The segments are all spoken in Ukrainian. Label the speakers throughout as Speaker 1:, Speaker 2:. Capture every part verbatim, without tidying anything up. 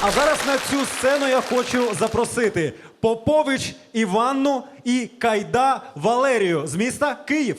Speaker 1: А зараз на цю сцену я хочу запросити Попович Іванну і Кайда Валерію з міста Київ.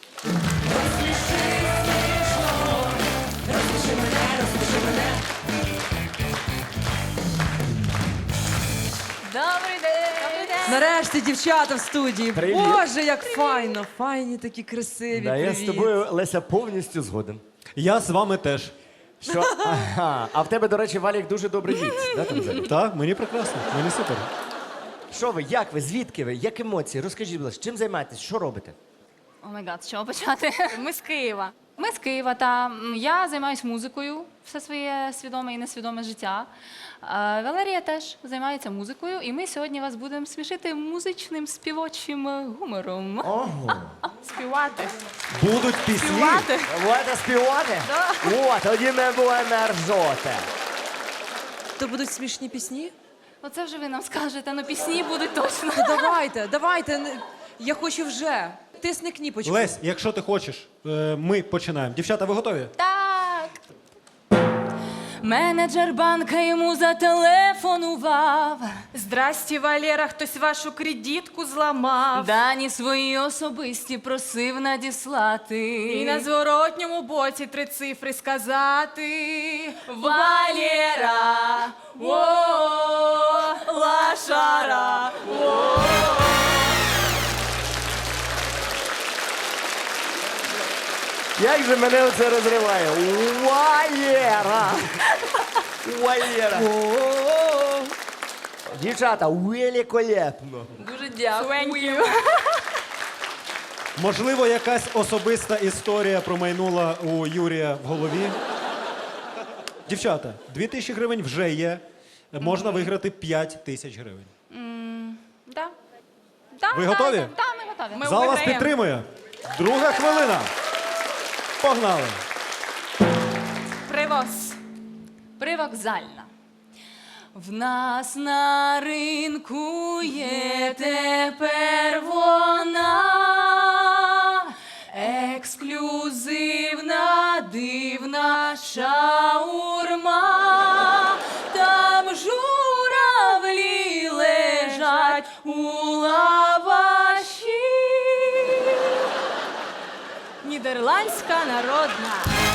Speaker 2: Добрий день! Добрий день!
Speaker 3: Нарешті дівчата в студії.
Speaker 4: Привіт.
Speaker 3: Боже, як файно, файні такі красиві.
Speaker 4: Да, я з
Speaker 3: Привіт.
Speaker 4: тобою, Леся, повністю згоден.
Speaker 1: Я з вами теж.
Speaker 4: Що? Ага. А в тебе, до речі, Валік, дуже добрий віць. Да, там взагалі?
Speaker 1: Так, мені прекрасно, мені супер.
Speaker 4: Що ви, як ви, звідки ви, як емоції? Розкажіть, будь ласка, чим займаєтесь, що робите?
Speaker 2: О май гад, з чого почати? Ми з Києва. Ми з Києва, та м, я займаюся музикою все своє свідоме і несвідоме життя. А Валерія теж займається музикою, і ми сьогодні вас будемо смішити музичним співочим е, гумором.
Speaker 4: Ого.
Speaker 2: Співати.
Speaker 1: Будуть пісні.
Speaker 2: Співати.
Speaker 4: Будете співати? О, тоді ми будемо ржоти.
Speaker 3: То будуть смішні пісні?
Speaker 2: Оце вже ви нам скажете, ну пісні будуть точно.
Speaker 3: То давайте, давайте. не- Я хочу вже. Тисни кніпочку.
Speaker 1: Лесь, якщо ти хочеш, е, ми починаємо. Дівчата, ви готові?
Speaker 2: Так. Менеджер банка йому зателефонував.
Speaker 5: Здрасте, Валера, хтось вашу кредитку зламав.
Speaker 2: Дані свої особисті просив надіслати.
Speaker 5: І на зворотньому боці три цифри сказати.
Speaker 2: Валера, о, лашара, о.
Speaker 4: Як же мене оце розриває? Валера! Валера! Дівчата, великолепно.
Speaker 2: Дуже дякую.
Speaker 1: Можливо, якась особиста історія промайнула у Юрія в голові. Дівчата, дві тисячі гривень вже є. Можна виграти п'ять тисяч гривень.
Speaker 2: Да. Да,
Speaker 1: Ви
Speaker 2: да,
Speaker 1: готові?
Speaker 2: Да, да, ми готові.
Speaker 5: Ми
Speaker 1: Зал вас
Speaker 5: виграємо.
Speaker 1: підтримує. Друга хвилина. Погнали.
Speaker 5: Привоз.
Speaker 2: Привокзальна. В нас на ринку є тепер вона, ексклюзивна, дивна шаурма. Там журавлі лежать у лаваші. Нідерландська народна.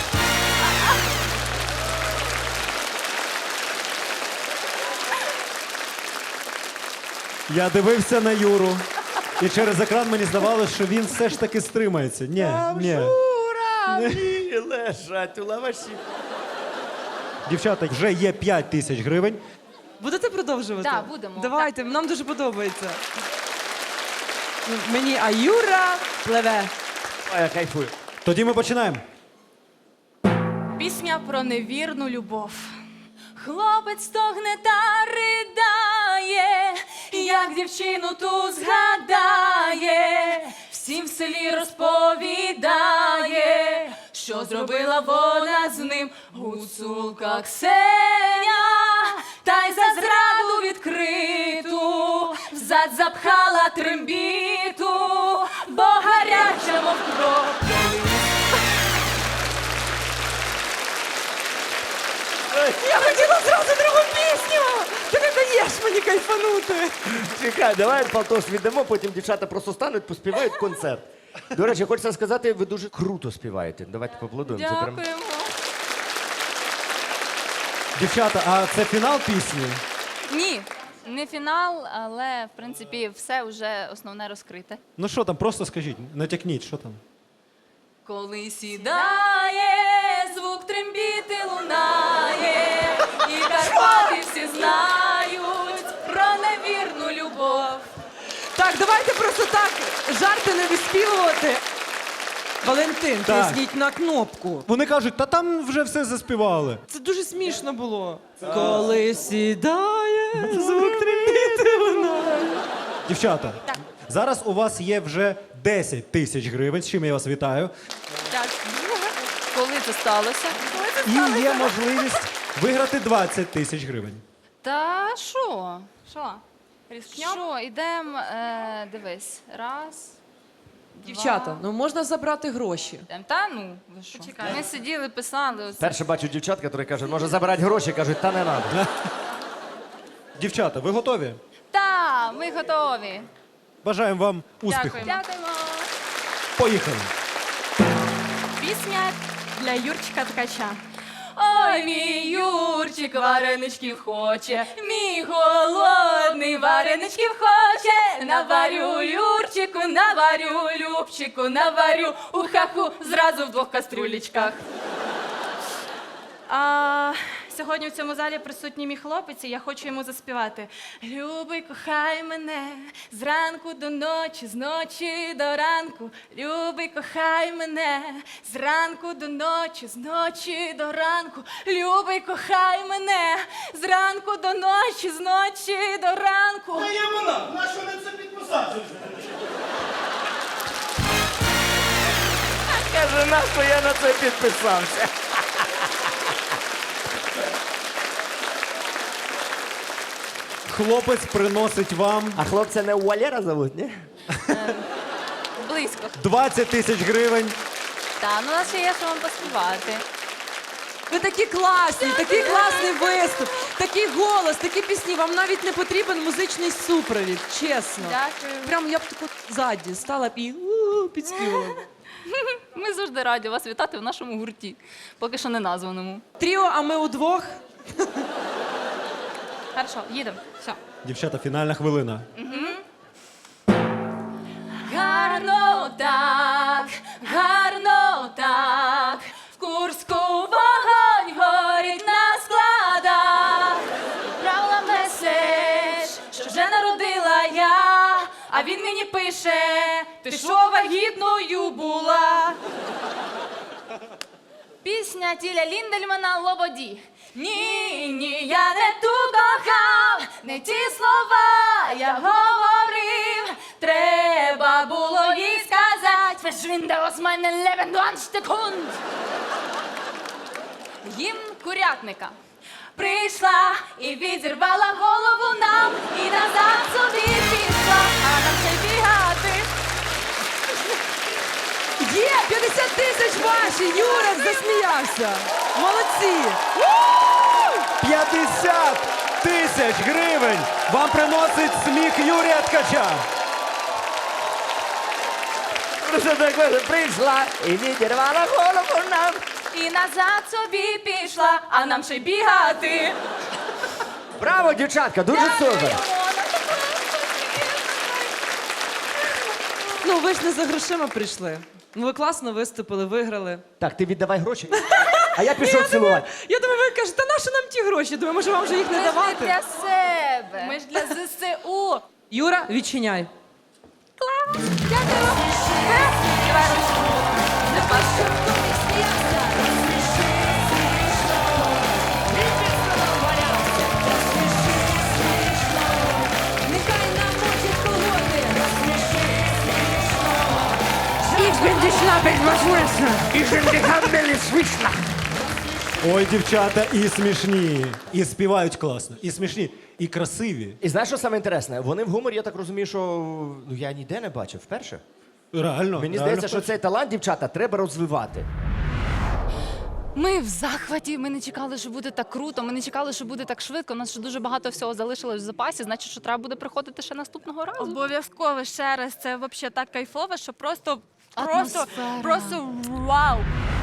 Speaker 1: Я дивився на Юру, і через екран мені здавалося, що він все ж таки стримається. Ні, ні.
Speaker 4: Журавлі лежать у лаваші.
Speaker 1: Дівчата, вже є п'ять тисяч гривень.
Speaker 3: Будете продовжувати?
Speaker 2: Да, будемо.
Speaker 3: Давайте, нам дуже подобається. Ну, Мені а Юра пливе.
Speaker 4: Ой, я кайфую.
Speaker 1: Тоді ми починаємо.
Speaker 5: Пісня про невірну любов.
Speaker 2: Хлопець стогне та ридає, як дівчину ту згадає, всім в селі розповідає, що зробила вона з ним гуцулка Ксеня, та й за зраду відкриту взад запхала трембіту, бо гаряча мов кров.
Speaker 3: Я хотіла зразу другу пісню! Ти не даєш мені кайфанути.
Speaker 4: Чекай, давай Палтош віддамо, потім дівчата просто стануть, поспівають концерт. До речі, хочеться сказати, ви дуже круто співаєте. Давайте поаплодуємо. Це прям...
Speaker 2: Дякуємо.
Speaker 1: Дівчата, а це фінал пісні?
Speaker 2: Ні, не фінал, але в принципі все вже основне розкрите.
Speaker 1: Ну що там, просто скажіть, натякніть, що там?
Speaker 2: Коли сідає, звук трембіти лунає, і Карпати всі знають про невірну любов.
Speaker 3: Так, давайте просто так жарти не виспівувати. Валентин,
Speaker 1: Так.
Speaker 3: тисніть на кнопку.
Speaker 1: Вони кажуть, та там вже все заспівали.
Speaker 3: Це дуже смішно було. Коли сідає, звук трембіти лунає.
Speaker 1: Дівчата, зараз у вас є вже десять тисяч гривень, з чим я вас вітаю.
Speaker 2: Так, коли це сталося? Коли це
Speaker 1: І є можливість виграти двадцять тисяч гривень.
Speaker 2: Та що?
Speaker 5: Що? Різкньоп?
Speaker 2: Що, ідемо, е, дивись, раз,
Speaker 3: Дівчата,
Speaker 2: два.
Speaker 3: ну можна забрати гроші.
Speaker 2: Ідем. Та ну, ви що? Ми сиділи, писали. Оце.
Speaker 4: Перше бачу дівчат, які кажуть, може забирати гроші, кажуть, та не треба.
Speaker 1: Дівчата, ви готові?
Speaker 2: Та, ми готові.
Speaker 1: Бажаємо вам успіху.
Speaker 5: Дякуємо.
Speaker 2: Дякуємо.
Speaker 1: Поїхали.
Speaker 5: Пісня для Юрчика Ткача.
Speaker 2: Ой, мій Юрчик вареничків хоче, мій голодний вареничків хоче. Наварю Юрчику, наварю Любчику, наварю у хаху зразу в двох кастрюлечках.
Speaker 5: А, сьогодні в цьому залі присутній мій хлопець, і я хочу йому заспівати. Любий, кохай мене зранку до ночі, з ночі до ранку. Любий, кохай мене зранку до ночі, з ночі до ранку. Любий, кохай мене зранку до ночі, з ночі до ранку.
Speaker 6: Та є вона, на що не це підписати?
Speaker 4: Каже, на що я на це підписався.
Speaker 1: Хлопець приносить вам
Speaker 4: А хлопця не Валера зовуть, ні?
Speaker 2: Близько.
Speaker 1: двадцять тисяч гривень.
Speaker 2: Та, ну у нас ще є, що вам поспівати.
Speaker 3: Ви такі класні, такий класний виступ, такий голос, такі пісні. Вам навіть не потрібен музичний супровід, чесно.
Speaker 2: Дякую.
Speaker 3: Прям я б таку ззаді стала б і у, підспівала. б.
Speaker 2: Ми завжди раді вас вітати в нашому гурті, поки що не названому.
Speaker 3: Тріо, а ми удвох.
Speaker 2: Хорошо, їдемо. Все.
Speaker 1: Дівчата, фінальна хвилина.
Speaker 2: Гарно так, гарно так, в Курську вогонь горить на складах. Відправила меседж, що вже народила я, а він мені пише, ти що вагітною була? Пісня Тіля Ліндельмана «Лободі». Ні, ні, я не ту кохав, не ті слова я говорив. Треба було їй сказати «Verschwinde aus meinem Leben, du Ansteckhund». Гімн курятника. Прийшла і відірвала голову нам, і назад собі пішла, а нам ще бігати.
Speaker 3: Є, п'ятдесят тисяч ваші, Юрик засміявся. Молодці.
Speaker 1: п'ятдесят тисяч гривень вам приносить сміх Юрія Ткача.
Speaker 4: Просто так каже, прийшла і відірвала голову нам.
Speaker 2: І назад собі пішла, а нам ще бігати.
Speaker 4: Браво, дівчатка, дуже супер.
Speaker 3: Ну, ви ж не за грошима прийшли. Ну, ви класно виступили, виграли.
Speaker 4: Так, ти віддавай гроші, а я пішов цілувати.
Speaker 3: Я думаю, ви кажете, та нащо нам ті гроші? Думаю, може вам вже їх не
Speaker 2: Ми ж не
Speaker 3: давати?
Speaker 2: для себе.
Speaker 5: Ми ж для ЗСУ.
Speaker 3: Юра, відчиняй.
Speaker 2: Дякую. Давай ручку.
Speaker 7: Нехай намочить колоти.
Speaker 1: Ой, дівчата, і смішні, і співають класно, і смішні, і красиві.
Speaker 4: І знаєш, що саме інтересне? Вони в гуморі, я так розумію, що ну, я ніде не бачив вперше.
Speaker 1: Реально.
Speaker 4: Мені
Speaker 1: реально
Speaker 4: здається, що
Speaker 1: вперше.
Speaker 4: цей талант, дівчата, треба розвивати.
Speaker 2: Ми в захваті, ми не чекали, що буде так круто, ми не чекали, що буде так швидко. У нас ще дуже багато всього залишилось в запасі, значить, що треба буде приходити ще наступного разу.
Speaker 5: Обов'язково ще раз. Це взагалі так кайфово, що просто, просто,
Speaker 2: Атмосфера.
Speaker 5: просто вау.